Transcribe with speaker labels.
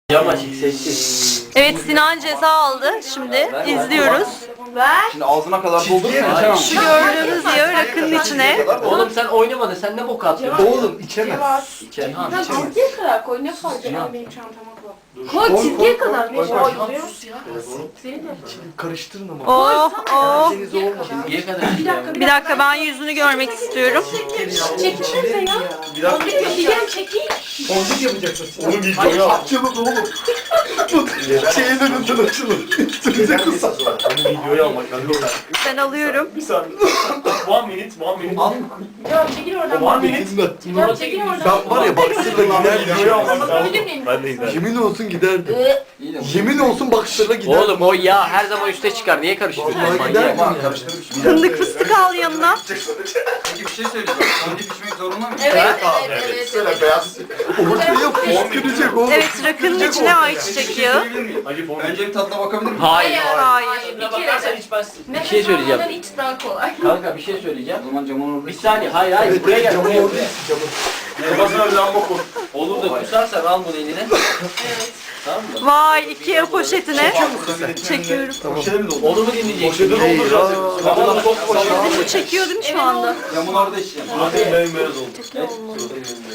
Speaker 1: Yamaçık sessiz.
Speaker 2: Evet, Sinan ceza aldı. Şimdi izliyoruz.
Speaker 3: Şimdi ağzına kadar doldurursan
Speaker 2: Şu gördüğünüz yağı rakının içine.
Speaker 1: Oğlum sen oynamadın. Sen ne bok atıyorsun?
Speaker 3: Oğlum içemez.
Speaker 1: İçen ha.
Speaker 4: Sen çizgiye kadar koy, ne fark eder benim çantama koy. Koy çizgiye kadar. Ne
Speaker 3: koy.
Speaker 4: Seni de.
Speaker 3: Karıştırın ama.
Speaker 2: Oh oh.
Speaker 3: Deniz olmadı.
Speaker 1: Niye kadar?
Speaker 2: Bir dakika, ben yüzünü görmek istiyorum.
Speaker 4: Çekilsenize ya.
Speaker 3: Bir dakika.
Speaker 4: Çekil, çekil.
Speaker 3: Fondip yapacaksın. Onu videoya at. Açılın oğlum. Şeyin önünden açılın. Üstünüze kısa.
Speaker 5: Onu videoya almak lazım.
Speaker 2: Ben alıyorum.
Speaker 5: Bir saniye. One minute.
Speaker 3: Al.
Speaker 4: Ya çekil oradan.
Speaker 5: One minute.
Speaker 4: Ya çekil oradan.
Speaker 3: Ben var ya baksırla
Speaker 5: Videoya
Speaker 3: giderdim.
Speaker 5: almak
Speaker 4: Bakabilir
Speaker 5: lazım.
Speaker 4: miyim?
Speaker 5: Ben de giderim.
Speaker 3: Yemin olsun giderdim. Yemin olsun baksırla giderdim.
Speaker 1: Oğlum o yağ her zaman üste çıkar. Niye karıştırıyorsun?
Speaker 3: Vallahi
Speaker 1: Manyak.
Speaker 3: giderdim ya.
Speaker 2: Fındık fıstık al yanına.
Speaker 3: Peki bir şey söyleyeceğim. Fondip içmek zorunda mı?
Speaker 4: Evet,
Speaker 5: abi,
Speaker 4: evet.
Speaker 3: beyaz. Ortaya fışkıracak oğlum.
Speaker 2: Evet, rakının içine ayçiçek yağı.
Speaker 5: Hacı formu.
Speaker 3: Önce bir tadına bakabilir miyim?
Speaker 1: Hayır.
Speaker 2: Hayır.
Speaker 4: Bir kere de.
Speaker 1: içmezsin. Bir
Speaker 4: Nefes
Speaker 1: şey söyleyeceğim.
Speaker 4: almadan iç daha kolay.
Speaker 1: Kanka bir şey söyleyeceğim.
Speaker 3: O zaman camın orada.
Speaker 1: Bir saniye. Hayır.
Speaker 3: Evet,
Speaker 1: Buraya gel.
Speaker 3: camın
Speaker 1: Buraya
Speaker 3: orada.
Speaker 1: gel.
Speaker 5: Kafasına bir lamba koy.
Speaker 1: Olur da kusarsan al bunu eline.
Speaker 4: Evet.
Speaker 1: Tamam mı?
Speaker 2: Vay, Ikea poşetine. Çekiyorum.
Speaker 5: Poşete mi doldur?
Speaker 1: Onu mu dinleyeceksin?
Speaker 5: Poşete dolduracağız. Tamam çok poşete.
Speaker 2: Bu çekiyor değil mi şu anda?
Speaker 3: Camın orada içeceğim.
Speaker 5: Suratım bembeyaz oldu.